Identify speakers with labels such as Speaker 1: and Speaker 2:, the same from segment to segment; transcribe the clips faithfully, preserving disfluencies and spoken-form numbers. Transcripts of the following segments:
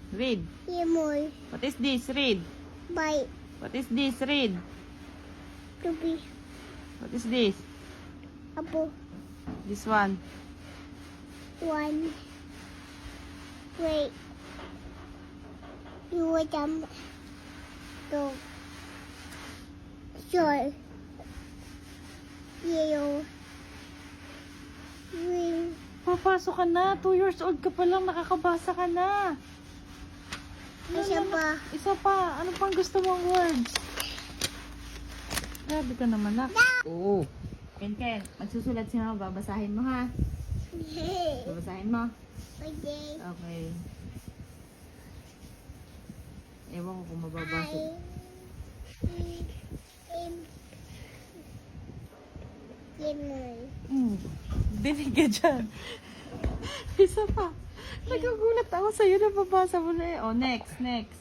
Speaker 1: Read.
Speaker 2: Lemon.
Speaker 1: What is this? Read.
Speaker 2: Bite.
Speaker 1: What is this? Read.
Speaker 2: Tubi.
Speaker 1: What is this?
Speaker 2: Apple.
Speaker 1: This one.
Speaker 2: One. Wait. You want them. Go. Sure. Yellow. Green.
Speaker 1: Papasok ka na. Two years old ka pa lang. Nakakabasa ka na.
Speaker 2: Isa pa.
Speaker 1: Isa pa. Ano pang gusto mong words? Grabe ka naman na. Oo. Ken Ken, magsusulat si mama. Babasahin mo ha. Babasahin mo.
Speaker 2: Okay.
Speaker 1: Okay. Ewan ko kung mababasa.
Speaker 2: I. M. Lemon.
Speaker 1: Hmm. Dinig ka dyan. Isa pa. Nagugulat ako sa'yo na babasa mo na eh. Oh, next, next.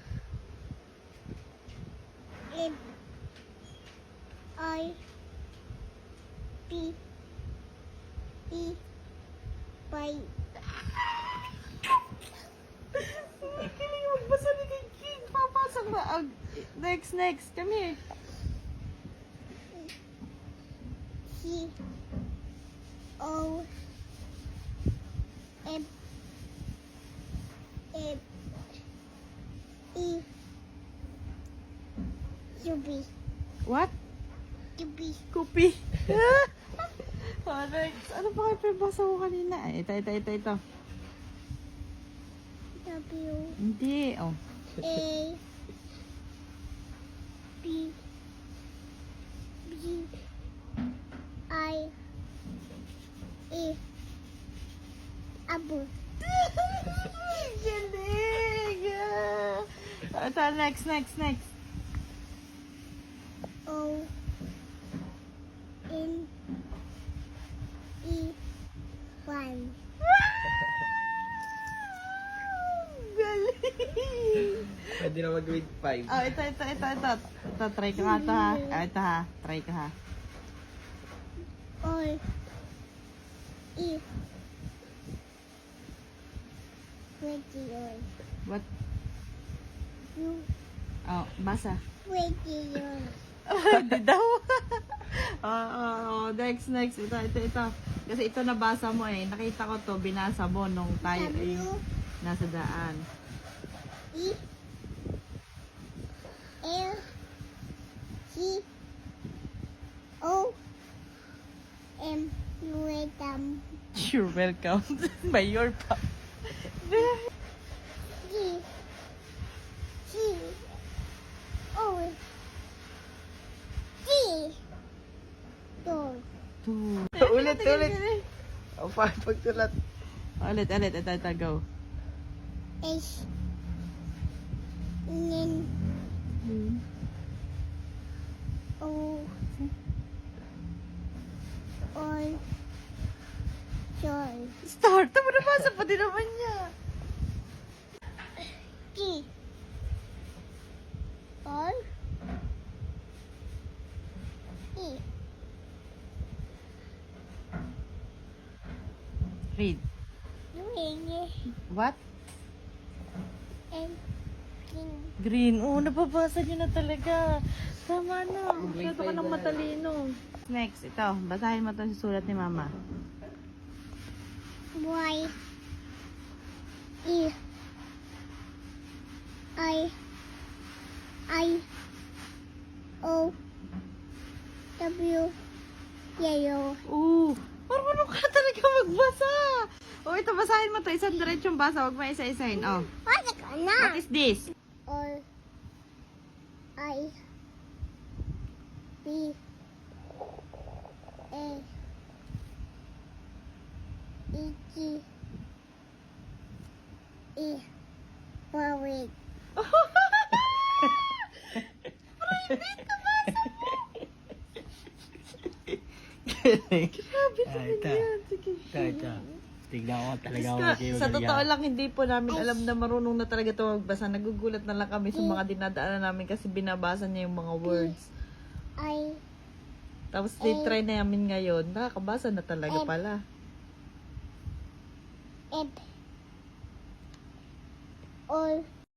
Speaker 2: M. I. P. E. Y.
Speaker 1: Kiling magbasa ni kay King. Papasok na. Oh, next, next. Come here.
Speaker 2: C. O. M. M. E. U. B.
Speaker 1: What?
Speaker 2: U. B.
Speaker 1: Kupi. Oh, next. Ano pa kayo pinabasa ko kanina? Ay, ito, ito, ito, ito.
Speaker 2: W.
Speaker 1: Hindi. Oh.
Speaker 2: A. B. B. I. E. Abu.
Speaker 1: Galing! Ah. Ito, next, next, next.
Speaker 2: O. N. E. One.
Speaker 1: Galing!
Speaker 3: Pwede na mag-grade five.
Speaker 1: Oh, ito, ito, ito, ito. Ito, try ka nga ito ha. Ah, ito ha. Try ka ha.
Speaker 2: O. E. Twenty yun.
Speaker 1: What?
Speaker 2: U.
Speaker 1: Oh, basa.
Speaker 2: Twenty yun.
Speaker 1: Hindi daw. oh, oh, oh, next, next. Ito, ito, ito. Kasi ito nabasa mo eh. Nakita ko to, binasa mo nung tayo eh,
Speaker 2: W.
Speaker 1: nasa daan.
Speaker 2: E. L. C. O. M. Welcome.
Speaker 1: You're welcome. By your pa.
Speaker 2: G. G. O. G. Two.
Speaker 1: Two.
Speaker 3: Ulit, ulit. Ang pangit pagsulat.
Speaker 1: Ulit, ulit. Ito, ito, go.
Speaker 2: H. N. O. O. Joy.
Speaker 1: Start. Tama nabasa pa din naman niya.
Speaker 2: G. O. E.
Speaker 1: Read.
Speaker 2: Green.
Speaker 1: What?
Speaker 2: And green.
Speaker 1: Green. Oo, oh, nababasa niyo na talaga. Tama na. Masyado ka ng matalino. Next, ito. Basahin mo ito sa sulat ni Mama.
Speaker 2: Y. E. I. I. O. W. Yellow.
Speaker 1: Oo. Marunong ka talaga magbasa. O, ito, basahin mo ito. Isang diretsong basa. Huwag mo isa-isahin. Oh.
Speaker 2: Wala ka na.
Speaker 1: What is this?
Speaker 2: O. I. B. A. E. G. E. Wawit.
Speaker 1: Grabe
Speaker 3: Ah,
Speaker 1: talaga
Speaker 3: ito.
Speaker 1: yan. Sige.
Speaker 3: Ito, ito. Tignan ko talaga ako
Speaker 1: Ska,
Speaker 3: kayo.
Speaker 1: sa totoo lang, hindi po namin alam na marunong na talaga ito magbasa. Nagugulat na lang kami sa mga dinadaanan namin kasi binabasa niya yung mga words.
Speaker 2: I.
Speaker 1: Tapos try na namin ngayon, nakakabasa na talaga
Speaker 2: Eh.
Speaker 1: pala.
Speaker 2: F. or